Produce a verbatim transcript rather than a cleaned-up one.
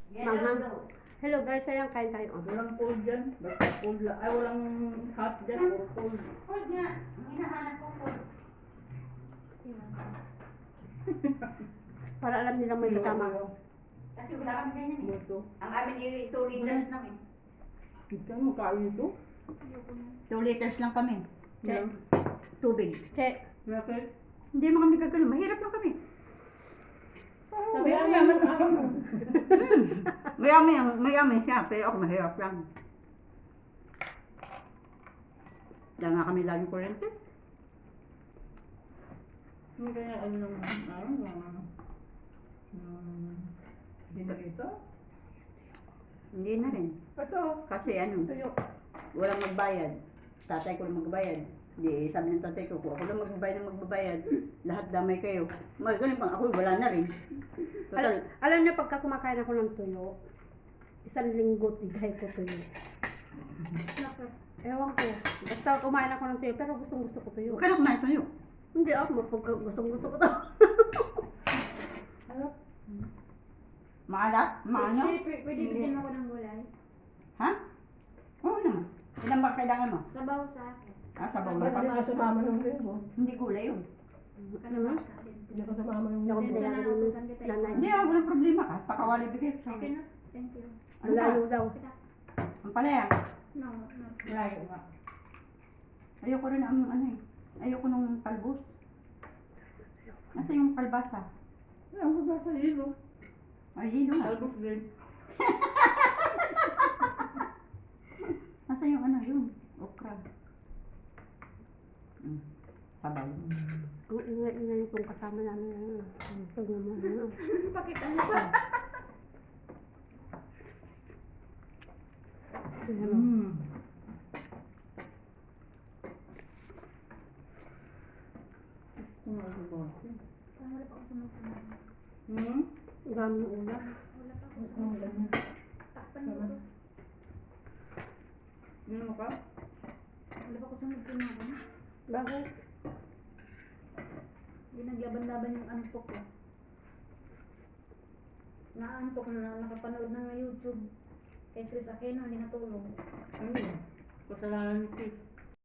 Manghang. Hello guys, ayan, kain tayo. Oh. Walang cold dyan. Basta cold lang. Ay, walang hot dyan. Puro cold. Cold nga. Ang hinahanap ko cold. Para alam nilang may kasama. Kasi wala kami ganyan eh. Buto. Ang amin yung two liters lang eh. Ito, magkain ito. two liters lang kami. Che. Tubig. Che. Bakit? Hindi mo kami gagano. Mahirap lang kami. Sabi ko naman ako. Mayami, mayami siya. Pero ako mahirap lang. Dahil nga kami laging kurente. Hindi kaya ano naman. Ano naman. Hmm. Dinarito? Hindi na rin. Ito. Kasi ano, Tuyo. walang magbayad. Tatay ko lang magbayad. Di sabi ng tatay ko, kung ako lang magbabayad ng magbabayad, lahat damay kayo. Mga ganun pang ako, wala na rin. Alam, Total, alam niyo, pagka kumakain ako ng tuyo, isang linggo, tigay ko tuyo. Ewan ko. Basta kumain ako ng tuyo, pero gustong gusto ko tuyo. huwag ka na kumain sa'yo. Hindi ako, pagka gustong gusto ko to. Maalat? Maano? Kasi pwede pwede bigyan ako ng gulay. Ha? Oo naman. Ilan ba kailangan mo? Sabaw sa akin. Ah, sabaw Ba't na di pa. ka sumama ng linggo? Hindi gulay yun. Kalabasa din. Hindi ka sumama ng Hindi ako linggo. Pasensya na, pinagaling utusan kita. nanay. Hindi ah, walang problema ka. Pakawali bigay ko Okay sa'yo. na. Thank you. Ano ba? Malayo daw. Kita. Ang palaya. No, no. Malayo nga. Ayoko rin ang ano eh. Ayoko nung kalbos. Nasa yung kalbasa? Ano ba sa hilo? Ay, yun nga. Talbos din. Nasa yung ano yun? Okra. Mm. Sabaw. Ang ingay-ingay kung kasama namin. Ano, ito naman. Ano. Pakita mo pa. Ano. Mm. Ano ba ba? Parang wala pa ako sa mga kumain. Hmm? Ang dami ng ulam. Wala pa ako sa Ano mga ganyan? takpan mo to. Ano mo ka? Wala pa ako sa mga kumain. Bakit? Hindi naglaban-laban yung antok ko. Naantok na nakapanood ng YouTube. Kay Chris Aquino, hindi natulog. Ano yun? Kasalanan ni Chris.